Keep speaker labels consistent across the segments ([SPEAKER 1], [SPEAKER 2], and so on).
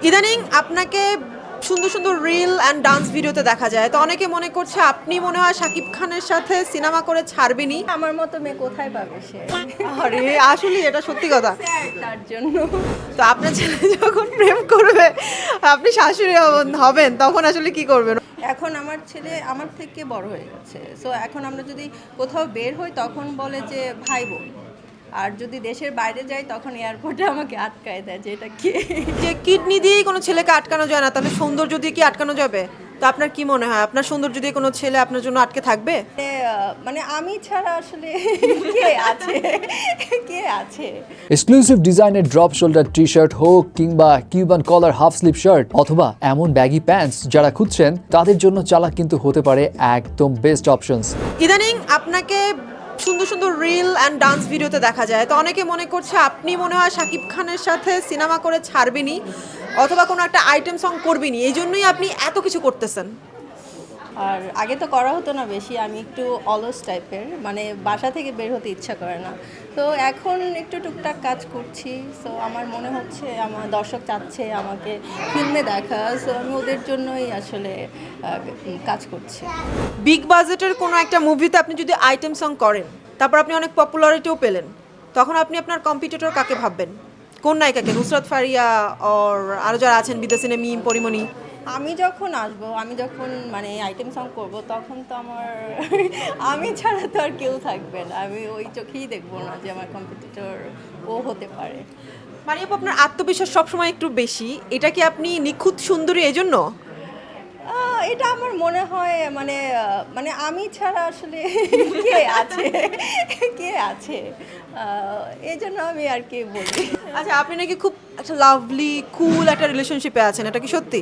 [SPEAKER 1] ইদানিং আপনাকে সুন্দর সুন্দর রিল অ্যান্ড ডান্স ভিডিওতে দেখা যায়, তো অনেকে মনে করছে আপনি মনে হয় শাকিব খানের সাথে সিনেমা করে ছাড়বেনই।
[SPEAKER 2] আমার মতো মেয়ে কোথায় পাবে সে?
[SPEAKER 1] আরে আসলে এটা সত্যি কথা।
[SPEAKER 2] তার জন্য
[SPEAKER 1] তো আপনার ছেলে যখন প্রেম করবে, আপনি শাশুড়ি হবেন, তখন আসলে কি করবেন?
[SPEAKER 2] এখন আমার ছেলে আমার থেকে বড় হয়ে গেছে, সো এখন আমরা যদি কোথাও বের হই তখন বলে যে ভাই বোন, আর যদি দেশের বাইরে যাই তখন এয়ারপোর্টে আমাকে আটকায় দেয় যে এটা কে।
[SPEAKER 1] যে কিডনি দিয়েই কোনো ছেলেকে আটকানো যায় না, তাহলে সৌন্দর্য দিয়ে কি আটকানো যাবে? তো আপনার কি মনে হয়, আপনার সৌন্দর্য দিয়ে কোনো ছেলে আপনার জন্য আটকে থাকবে?
[SPEAKER 2] মানে আমি ছাড়া আসলে কে আছে, কে আছে?
[SPEAKER 3] এক্সক্লুসিভ ডিজাইনের ড্রপ শোল্ডার টি শার্ট হোক কিংবা Cuban collar half sleeve shirt অথবা এমন ব্যাগি প্যান্টস যারা খুঁজছেন তাদের জন্য চালাক কিন্তু হতে পারে একদম বেস্ট অপশনস।
[SPEAKER 1] ইদানিং আপনাকে সুন্দর সুন্দর রিল অ্যান্ড ডান্স ভিডিওতে দেখা যায়, তো অনেকে মনে করছে আপনি মনে হয় শাকিব খানের সাথে সিনেমা করে ছাড়বেনই অথবা কোনো একটা আইটেম সং করবেনই, এই জন্যই আপনি এত কিছু করতেছেন।
[SPEAKER 2] আর আগে তো করা হতো না বেশি, আমি একটু অলস টাইপের, মানে বাসা থেকে বের হতে ইচ্ছা করে না। তো এখন একটু টুকটাক কাজ করছি, সো আমার মনে হচ্ছে আমার দর্শক চাচ্ছে আমাকে ফিল্মে দেখা, সো আমি ওদের জন্যই আসলে কাজ করছি।
[SPEAKER 1] বিগ বাজেটের কোনো একটা মুভিতে আপনি যদি আইটেম সং করেন, তারপর আপনি অনেক পপুলারিটিও পেলেন, তখন আপনি আপনার কম্পিটিটর কাকে ভাববেন? কোন নায়িকাকে? নুসরাত ফারিয়া অর আরও যারা আছেন বিদেশি মিম পরিমণি?
[SPEAKER 2] আমি যখন আসবো, আমি যখন মানে আইটেম সং করব, তখন তো আমার আমি ছাড়া তো আর কেউ থাকবে না, আমি ওই চোখেই দেখবো না যে আমার কম্পিটিটর ও হতে পারে।
[SPEAKER 1] মানে আপু, আপনার আত্মবিশ্বাস সবসময় একটু বেশি, এটা কি আপনি নিখুঁত সুন্দরী এজন্য?
[SPEAKER 2] এটা আমার মনে হয় মানে মানে আমি ছাড়া আসলে কে আছে, কে আছে, এই জন্য আমি আর কি বলি।
[SPEAKER 1] আচ্ছা, আপনি নাকি খুব একটা লাভলি কুল একটা রিলেশনশিপে আছেন, এটা কি সত্যি?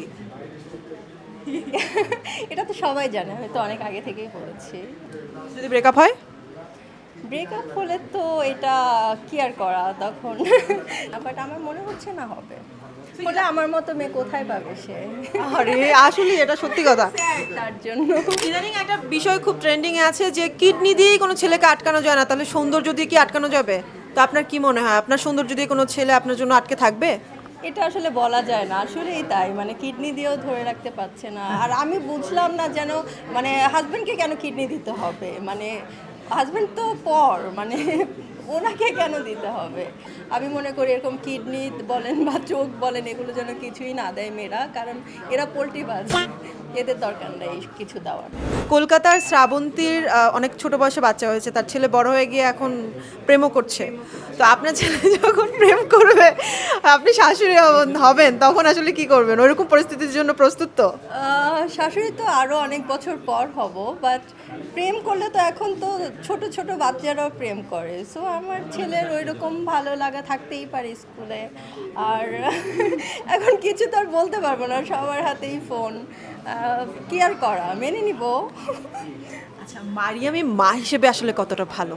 [SPEAKER 2] এটা তো সবাই জানে, আমি তো অনেক আগে থেকেই বলেছি।
[SPEAKER 1] যদি ব্রেকআপ হয়?
[SPEAKER 2] ব্রেকআপ হলে তো এটা কি আর করা তখন, বাট আমার মনে হচ্ছে না হবে। বলে আমার মতো মেয়ে কোথায় পাবে সে?
[SPEAKER 1] আরে আসলে এটা সত্যি কথা।
[SPEAKER 2] তার জন্য
[SPEAKER 1] ইদানিং একটা বিষয় খুব ট্রেন্ডিং এ আছে যে কিডনি দিয়েই কোনো ছেলেকে আটকানো যায় না, তাহলে সৌন্দর্য দিয়ে কি আটকানো যাবে? তো আপনার কি মনে হয়, আপনার সৌন্দর্য দিয়ে কোনো ছেলে আপনার জন্য আটকে থাকবে?
[SPEAKER 2] এটা আসলে বলা যায় না, আসলেই তাই, মানে কিডনি দিয়েও ধরে রাখতে পারছে না। আর আমি বুঝলাম না যেন মানে হাজবেন্ডকে কেন কিডনি দিতে হবে, মানে হাজবেন্ড তো পর, মানে ওনাকে কেন দিতে হবে? আমি মনে করি এরকম কিডনি বলেন বা চোখ বলেন, এগুলো যেন কিছুই না দেয় মেয়েরা, কারণ এরা পোল্ট্রিবাজ, এদের দরকার নেই কিছু দেওয়ার।
[SPEAKER 1] কলকাতার শ্রাবন্তীর অনেক ছোট বয়সে বাচ্চা হয়েছে, তার ছেলে বড় হয়ে গিয়ে এখন প্রেমও করছে। তো আপনার ছেলে যখন প্রেম করবে, আপনি শাশুড়ি হবেন, তখন আসলে কি করবেন? ওইরকম পরিস্থিতির জন্য প্রস্তুত তো?
[SPEAKER 2] শাশুড়ি তো আরও অনেক বছর পর হব, বাট প্রেম করলে তো এখন তো ছোট ছোট বাচ্চারাও প্রেম করে, সো আমার ছেলের ওই রকম ভালো লাগা থাকতেই পারে স্কুলে। আর এখন কিছু তো আর বলতে পারবো না, সবার হাতেই ফোন, কি আর করা, মেনে নিব।
[SPEAKER 1] আচ্ছা, মারিয়ামি মা হিসেবে আসলে কতটা ভালো?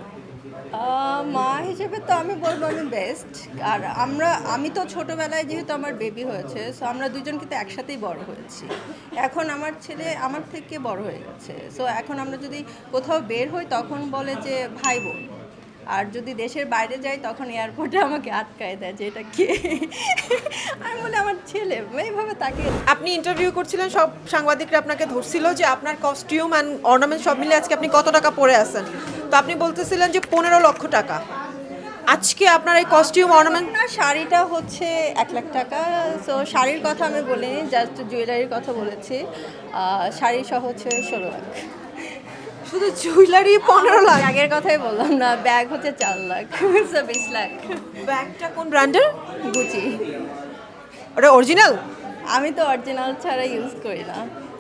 [SPEAKER 2] মা হিসেবে তো আমি বলবো আমি বেস্ট। আর আমি তো ছোটোবেলায় যেহেতু আমার বেবি হয়েছে, সো আমরা দুজন কিন্তু একসাথেই বড় হয়েছি। এখন আমার ছেলে আমার থেকে বড় হয়ে গেছে, সো এখন আমরা যদি কোথাও বের হই তখন বলে যে ভাই বোন, আর যদি দেশের বাইরে যাই তখন এয়ারপোর্টে আমাকে আটকায় দেয় যে এটা কে। আমি বলি আমার ছেলে, এইভাবে তাকে।
[SPEAKER 1] আপনি ইন্টারভিউ করছিলেন, সব সাংবাদিকরা আপনাকে ধরছিল যে আপনার কস্টিউম অ্যান্ড অর্নামেন্ট সব মিলে আজকে আপনি কত টাকা পরে আছেন, তো আপনি বলতেছিলেন যে 15 লক্ষ টাকা। আজকে আপনার এই কস্টিউম অর্নামেন্ট?
[SPEAKER 2] না, শাড়িটা হচ্ছে 1 লাখ টাকা, সো শাড়ির কথা আমি বলিনি, জাস্ট জুয়েলারির কথা বলেছি। শাড়ি সহ হচ্ছে 16 লাখ।
[SPEAKER 1] শুধু জুয়েলারি 15 লাখ?
[SPEAKER 2] ব্যাগের কথাই বললাম না, ব্যাগ হচ্ছে 4 লাখ, সো 20 লাখ।
[SPEAKER 1] ব্যাগটা কোন ব্র্যান্ডের?
[SPEAKER 2] গুচি।
[SPEAKER 1] ওটা অরিজিনাল?
[SPEAKER 2] আমি তো অরিজিনাল ছাড়া ইউজ করি না।